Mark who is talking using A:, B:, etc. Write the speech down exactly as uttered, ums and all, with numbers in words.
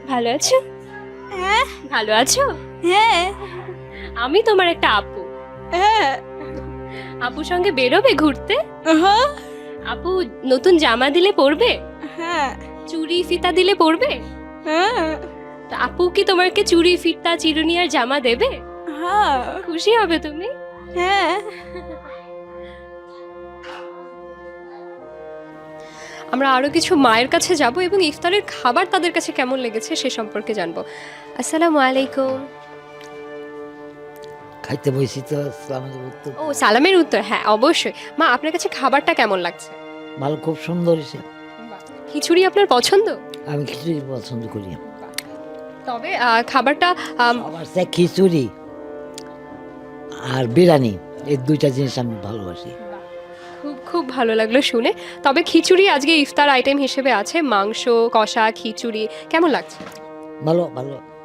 A: ভালো আছো?
B: হ্যাঁ
A: ভালো আছো?
B: হ্যাঁ
A: আমি তোমার একটা আপু।
B: হ্যাঁ
A: আপুর সঙ্গে বেরোবে ঘুরতে?
B: হ্যাঁ
A: আপু নতুন জামা দিলে পরবে?
B: হ্যাঁ
A: চুড়ি ফিতা দিলে পরবে?
B: হ্যাঁ
A: তা আপু কি তোমাকে চুড়ি ফিতা চিরুনি আর জামা দেবে?
B: হ্যাঁ
A: খুশি হবে তুমি?
B: হ্যাঁ
A: আমরা আরো কিছু মায়ের কাছে যাব এবং ইফতারের খাবার তাদের কাছে কেমন লেগেছে সে সম্পর্কে জানবো। আসসালামু আলাইকুম।
C: খাইতে বসি তো সালামের উত্তর
A: ও সালামের উত্তর, হ্যাঁ অবশ্যই। মা আপনার কাছে খাবারটা কেমন লাগছে?
C: ভালো, খুব সুন্দর হয়েছে।
A: খিচুড়ি আপনার পছন্দ?
C: আমি খিচুড়ি পছন্দ করি।
A: তবে আহ, খাবারটা আম,
C: সবার চেয়ে খিচুড়ি আর বিরিয়ানি, এই দুইটা জিনিস আমি ভালোবাসি।
A: খুব খুব ভালো লাগলো শুনে। তবে খিচুড়ি আজকে ইফতার আইটেম হিসেবে আছে, মাংস কষা খিচুড়ি, কেমন লাগছে?
C: ভালো ভালো